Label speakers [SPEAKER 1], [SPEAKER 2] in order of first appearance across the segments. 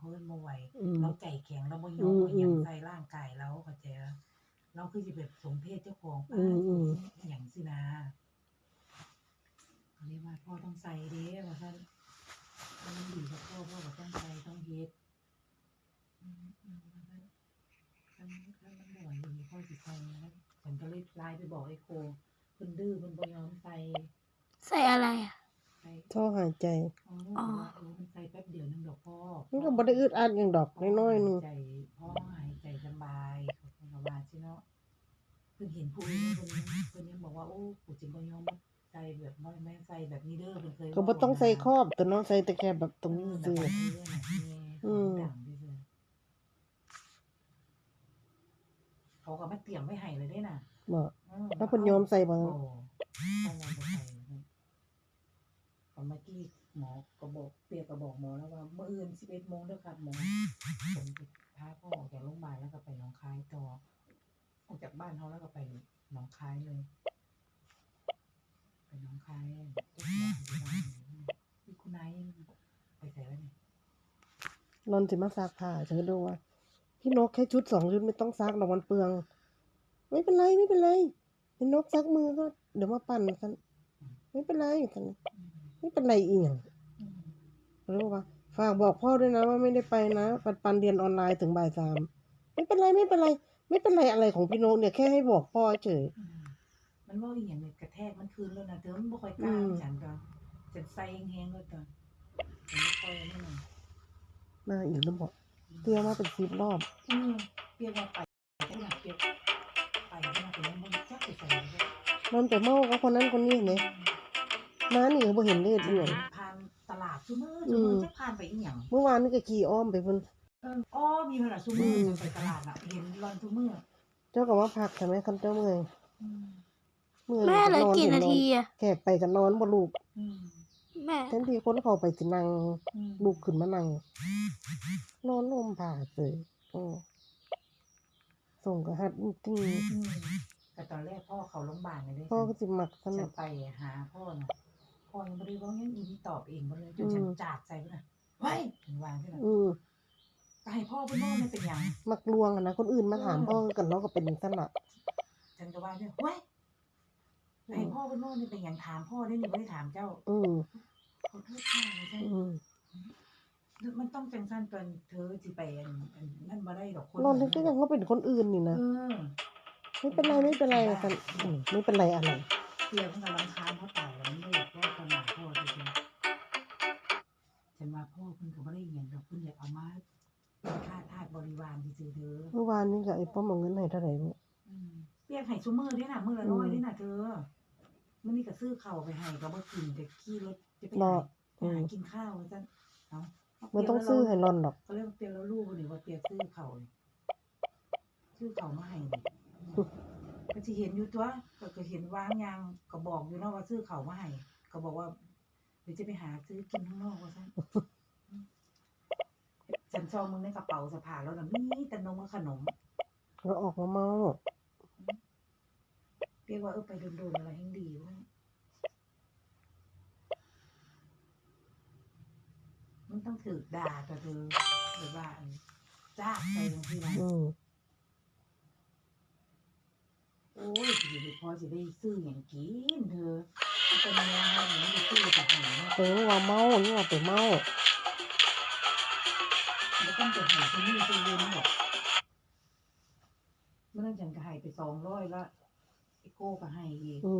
[SPEAKER 1] เอิ้นบ่ไหว
[SPEAKER 2] อืม
[SPEAKER 1] เราใจแข็งเราบ่ย
[SPEAKER 2] อื
[SPEAKER 1] อม
[SPEAKER 2] ม
[SPEAKER 1] เอาห
[SPEAKER 2] อืม
[SPEAKER 1] ยังใส่ร่างกายเราเข้าใจบ่เราคือสิแบบสมเพศเจ้าของ
[SPEAKER 2] อืมอื
[SPEAKER 1] สู้
[SPEAKER 2] ม
[SPEAKER 1] อิหยังสินะก็เลยว่าพ่อต้องใส่เด้ว่าซั่นถ้ามันดีกับพ่อก็ต้องใส่ต้องเฮ็ดว่าซั่นคันมันบ่ไหวอย่างนี้พ่อสิใส่นะฉันก็เลยไลน์ไปบอกไอ้โคเพิ่นดื้อเพิ่นบ่ยอมใส่
[SPEAKER 3] ใส่อะไรอ่ะ
[SPEAKER 1] ใส่
[SPEAKER 2] ท่อหายใจ
[SPEAKER 3] อ๋อ
[SPEAKER 1] บอกว่ามันใส่แป๊บเดียวนึงดอกพ่อ
[SPEAKER 2] มันก็บ่ได้อึดอัดหยังดอก
[SPEAKER 1] พ่อ
[SPEAKER 2] น้อย
[SPEAKER 1] หา
[SPEAKER 2] ๆหนึง
[SPEAKER 1] ยใจพ่อหายใจสบายเขาก็ว่าสิเนาะเพิ่นเห็นผู้อื่นเพิ่นยังบอกว่าโอ้กูสิบ่ยอมใส่แบบบ่แม่นใส่แบบนี้เด้อเพิ่นเคย
[SPEAKER 2] ก็
[SPEAKER 1] เว้า
[SPEAKER 2] บ่ต้อง
[SPEAKER 1] นะ
[SPEAKER 2] ใส่ครอบตัวเนาะใส่แต่แค่แบบตรงนี้
[SPEAKER 1] แบบ
[SPEAKER 2] ซื่อ
[SPEAKER 1] ว่าน่ะแม่
[SPEAKER 2] อืม
[SPEAKER 1] ดังซื่อๆเขาก็มาเตรียมไว้ให้เลยเด้น่ะ
[SPEAKER 2] บ่แล้วเพิ่น
[SPEAKER 1] เอ้าย
[SPEAKER 2] อมใส่บ่
[SPEAKER 1] บ่ต้องเอาไปใส่ก็เมื่อกี้หมอก็บอกเปียก็บอกหมอแล้วว่ามื้ออื่น 11:00 นเด้อครับหมอผมสิพาพ่อออกจากโรงพยาบาลแล้วก็ไปหนองคายต่อออกจากบ้านเฮาแล้วก็ไปหนองคายเลยไปหนองคายเจ้าหมอพยาบาลที่คุณนายไปไสแล้วนี่
[SPEAKER 2] นอนสิมาซักผ้าฉันก็ดูว่าพี่นกแค่ชุด2ชุดไม่ต้องซักดอกมันเปลืองไม่เป็นไรพี่นกซักมือก็เดี๋ยวมาปั่นกันไม่เป็นไรกันไม่เป็นไรอีหยัง
[SPEAKER 1] อืม
[SPEAKER 2] รู้ป่ะฝากบอกพ่อด้วยนะว่าไม่ได้ไปนะปันเรียนออนไลน์ถึงบ่ายสามไม่เป็นไรอะไรของพี่นกเนี่ยแค่ให้บอกพ่อเฉย
[SPEAKER 1] มันเว้าอีหยังนี่กระแทกมันคืนแล้วนะเธอมันบ่ค่อยก
[SPEAKER 2] อื
[SPEAKER 1] ล้าม ฉันก็ฉันใส่แฮงๆเลยตอนฉันบ่ค่อยนั่นน่ะ
[SPEAKER 2] มาอีกแล้วบอกเตี้ยมาเป็น10 รอบ
[SPEAKER 1] เปียกว่าไปจังหวัดเปียกไปจังหวัดแต่ยังบ่รู้จักไปไสเลย
[SPEAKER 2] มันไปเมากับคนนั้นคนนี้เนี่ยมานี่ก็บ่เห็นเลยอีหยัง
[SPEAKER 1] ผ่านตลาดซุมื้อจักผ่านไปอีหยัง
[SPEAKER 2] เมื่อวานนี่ก็ขี่อ้อมไปเพิ่น
[SPEAKER 1] อ้อมีเพิ่นน่ะซุมื้อจังไปตลาดน่ะเห็นรอนซุมื้อ
[SPEAKER 2] เจ้าก็มาพักใช่ไหมคันเจ้าเมื่อย
[SPEAKER 1] อืม
[SPEAKER 2] เมื่อย
[SPEAKER 3] แม่เหลื
[SPEAKER 2] ก็
[SPEAKER 3] อนกี่
[SPEAKER 2] อนเห็นอน
[SPEAKER 3] นานทีอ่ะ
[SPEAKER 2] แขกไปก็นอนบ่ลูก
[SPEAKER 1] อืม
[SPEAKER 3] แม่
[SPEAKER 2] แทนที่คนเขาไปสินั่ง
[SPEAKER 1] อืม
[SPEAKER 2] ลุกขึ้นมานั่งนอนห่มผ้าเฉยส่งก็ฮัดจริง
[SPEAKER 1] อืมแต่ตอนแรกพ่อเข้าโรงพยาบาลเลยเด้
[SPEAKER 2] พ่อก็สิมักส
[SPEAKER 1] ฉั
[SPEAKER 2] นุก
[SPEAKER 1] นไปหาพ่อน่ะพ่อยังบ่ได้เว้าหยังอีนี่ตอบเองเบิดเลยจนฉันจาดใส่เพิ่นน่ะเฮ้ยฉันว่าจังซั่นน่ะก็ให้พ่อเพิ่นเว้าเนี่ยเป็นหยัง
[SPEAKER 2] มักลวงอะนะคนอื่นมาถามพ่อกันเนาะก็เป็นจังซั่นล่ะ
[SPEAKER 1] ฉันก็ว่าเนี่ยเฮ้ยให้พ่อเพิ่นเว้าเนี่ยเป็นหยังถามพ่อได้นี่บ่ได้ถามเจ้าขอโทษค่ะว่าซั่นมันต้องจังซั่นตอนเธอสิไปนั่นบ่ได้ดอกคน
[SPEAKER 2] นอนนึกก็ยังว่าเป็นคนอื่นนี่นะไม่เป็นไรกันไม่เป็นไรอะไร
[SPEAKER 1] เปียมันก็รำคาญเขาตายแล้วมันบ่อยากเว้าต่อหน้าพ่อซื่อๆฉันว่าพ่อเพิ่นก็บ่ได้อิหยังดอกเพิ่นอยากเอามาเป็นค่าทาสบริวารซื่อๆเด้อ
[SPEAKER 2] เมื่อวานนี้ก็ไอ้ป้อมเอาเงินให้เท่าไหร่นี่
[SPEAKER 1] เปียกให้ซุมื้อเด้น่ะมื้อละ100เด้น่ะเธอมื้อนี้ก็ซื้อข้าวไปให้ก็บ่กินแต่ขี่รถจะไปหากินข้าวว่าซั่นเอ้า
[SPEAKER 2] มันต้องซื้อให้นอนดอก
[SPEAKER 1] เขาเรียกว่าเปียแล้วลูกนี่ว่าเปียซื้อเขานี่ซื้อเขามาให้นี่ก็สิเห็นอยู่ตัวก็เห็นวางยางก็บอกอยู่เนาะว่าซื้อเขามาให้ก็บอกว่าเดี๋ยวจะไปหาซื้อกินข้างนอกว่าซั่นฉันซองมึงในกระเป๋าสะพายแล้วน่ะมีแต่นมกับขนม
[SPEAKER 2] ก็ออกมาเมา
[SPEAKER 1] เปียว่าไปโดนๆอะไรแห่งดีว่ามันต้องถูกด่าตัวเธอหรือว่าจ้าไปจังซี่นะโอ้ยสิได้พอสิได้ซื้อหยังกินเธอเป็นแนวให้มันได้ซื้อจากไหนเนาะ
[SPEAKER 2] ว่าเมานี่ว่าไปเมา
[SPEAKER 1] บ่ต้องไปหาซื้อนี่ซื้อเย็นหรอกมื้อนั้นฉันก็ให้ไป200แล้วไอ้โก้ก็ให้อีก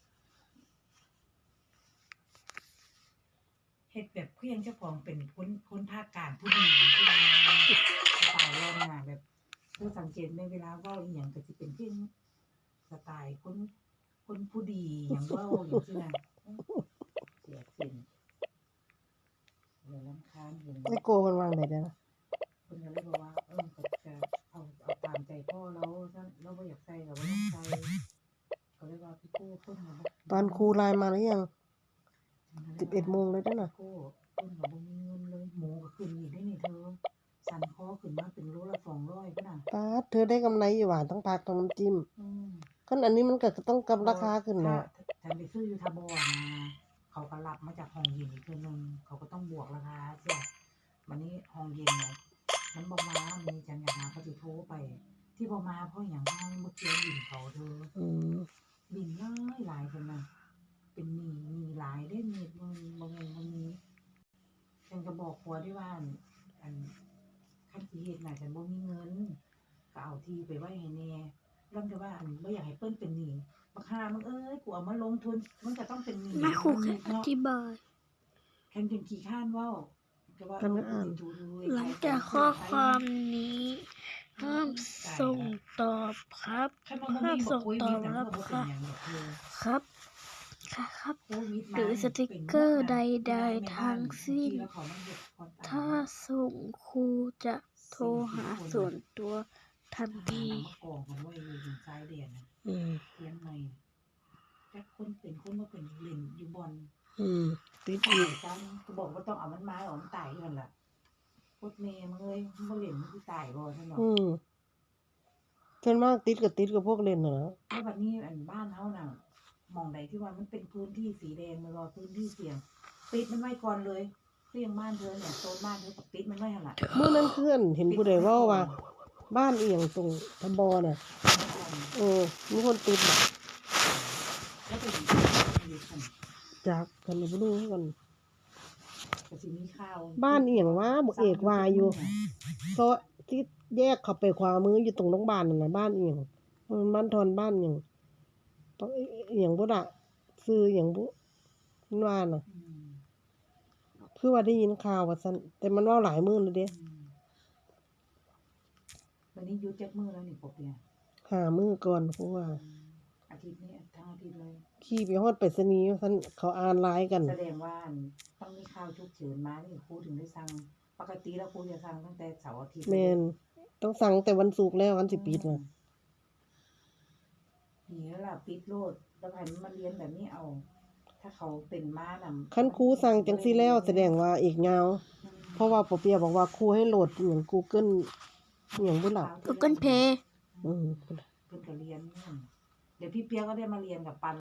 [SPEAKER 1] เฮ็ดแบบคือยังเจ้าของเป็นคนภาคกลางผู้ดีที่ว่าสไตล์เราน่ะแบบเธอสังเกตไหมเวลาเว้าอีหยังก็สิเป็นคือสไตล์คนผู้ดีหยังเว้าจังซี่น่ะเสียเส้นแล้วรำคาญเห็น
[SPEAKER 2] ไอ้โกมันวางได้เด้อ
[SPEAKER 1] เพิ่นก็เลยบอกว่าก็จะเอาตามใจพ่อเราถ้าเราบ่อยากใส่ก็บ่ต้องใส่ก็เลยว่าพี่โก้เพิ่นก็บ่
[SPEAKER 2] ตอนครูไลน์มาหรือยัง11 โมงเลยเด้อน่ะ
[SPEAKER 1] โก้เพิ่นก็บ่มีเงินเลยหมูก็ขึ้นอีกได้นี่เธอสั่นคอขึ้นมาเป็นโลละ200พุ่นน่ะ
[SPEAKER 2] ป๊าดเธอได้กำไรอยู่หว่าทั้งผักทั้งน้ำจิ้มคันอันนี้มันก็ต้องกำราคาขึ้นเนาะ
[SPEAKER 1] ฉันไปซื้ออยู่ทบนะเขาก็รับมาจากห้องเย็นอีกเทื่อนึงเขาก็ต้องบวกราคาเสียวันนี้ห้องเย็นเนาะมันบอกมามีจังอยากหาเขาจะโทรไป ที่บอกมาเพราะอย่างห้องเมื่อกี้บินเขาเธอ
[SPEAKER 2] อืม
[SPEAKER 1] บินหลายคนนะเป็นมีหลายได้มีมันมีฉันก็บอกผัวด้วยว่าอันขั้นสิเหตุน่ะฉันบ่มีเงินก็เอาที่ไปไว้ให้แน่เรื่องก็ว่าอันบ่อยากให้เปิ้นเป็นหนี้บักฮามึงเอ้ยกูเอามาลงทุนมันก็ต้องเป็นหนี้
[SPEAKER 3] แม่ครูแค่อ
[SPEAKER 1] เนาะ
[SPEAKER 3] ธิบาย
[SPEAKER 1] แค่เป็นขี้ข้านเว้าก็ว่า
[SPEAKER 2] กันก็อ่าน
[SPEAKER 3] หลังจากข้อความนี้ห้ามส่งตอบครับ
[SPEAKER 1] คันว่าบ่มีบอกโควิดน่ะมันก็บ่เป็นหยังดอกเธอ
[SPEAKER 3] ครับ ค่ะครับ
[SPEAKER 1] โควิด
[SPEAKER 3] หรือสติกเกอร์ใดๆทั้งสิ้น ถ้าส่งครูจะโทรหาส่วนตัวทันที
[SPEAKER 1] กองกันไว้อยู่ทางซ้ายเดียนนะ
[SPEAKER 2] อืม
[SPEAKER 1] เลี้ยงใหม่แต่คนเป็นคนมาเป็นเล่นอยู่บอล
[SPEAKER 2] อืมติด
[SPEAKER 1] ตา
[SPEAKER 2] อี
[SPEAKER 1] ย
[SPEAKER 2] ก
[SPEAKER 1] จังก็บอกว่าต้องเอามันมาเอามันตายกันล่ะโคตรเมย์มึงเอ้ยมึงบ่เล่นมึงสิตายบ่ท่านบอก
[SPEAKER 2] อืมส่วนมากติดกับพวกเล่นน่ะนะ
[SPEAKER 1] แล้วบัดนี้อันบ้านเฮาน่ะหม่องใดที่ว่ามันเป็นพื้นที่สีแดงมันรอพื้นที่เสี่ยงปิดมันไว้ก่อนเลยเสี่ยงบ้านเธอเนี่ยโซนบ้านเธอก็ปิดมันไว้หั่นล่ะ
[SPEAKER 2] เมื่อนั้นเพื่อนเห็นผู้ใดเว่าว่า บ้านเอียงตรงทบน่ะ มีคนติดน่ะ
[SPEAKER 1] แล้วก็อยู่กัน
[SPEAKER 2] จากกันบ่รู้คือกัน
[SPEAKER 1] ก็สิมีข่าว
[SPEAKER 2] บ้านเอียงว่าบ่เอกว่าอยู่เพราะที่แยกเข้าไปขวามืออยู่ตรงโรงพยาบาลนั่นน่ะบ้านเอียงมันบ้านทอนบ้านเอียงต้องเอียงบ่ล่ะชื่อเอียงบ่มันว่าน่ะ
[SPEAKER 1] อืม
[SPEAKER 2] คือว่าได้ยินข่าวว่าซั่นแต่มันเว้าหลายมื้อแล้วเด้
[SPEAKER 1] วันนี้หยุดจักมื้อแล้วนี่ปกเนี่ย
[SPEAKER 2] 5 มื้อก่อนเพราะว่า
[SPEAKER 1] อาทิตย์นี้ทั้งอาทิตย์เลย
[SPEAKER 2] ขี่ไปฮอดไปรษณีย์ว่าซั่นเขาอ่านไลน์กัน
[SPEAKER 1] แสดงว่าต้องมีข่าวฉุกเฉินมานี่ครูถึงได้สั่งปกติแล้วครูจะสั่งตั้งแต่เสาร์อาทิตย์
[SPEAKER 2] แม่นต้องสั่งแต่วันศุกร์แล้ววันสิปิดน่ะ
[SPEAKER 1] นี่แล้วล่ะปิดโลดแล้วให้มันมาเรียนแบบนี้เอา ถ้าเขาเป็นมาน่ะ
[SPEAKER 2] คันครูสั่งจังซี่แล้วแสดงว่าอีกยาว เพราะว่าปอเปียบอกว่าครูให้โหลดอหย่าง Google อหย่างบ่ล่ะ
[SPEAKER 3] Google Play
[SPEAKER 2] อืม
[SPEAKER 1] เพิ่นก็เรียนเดี๋ยวพี่เปียก็ได้มาเรียนกับปัน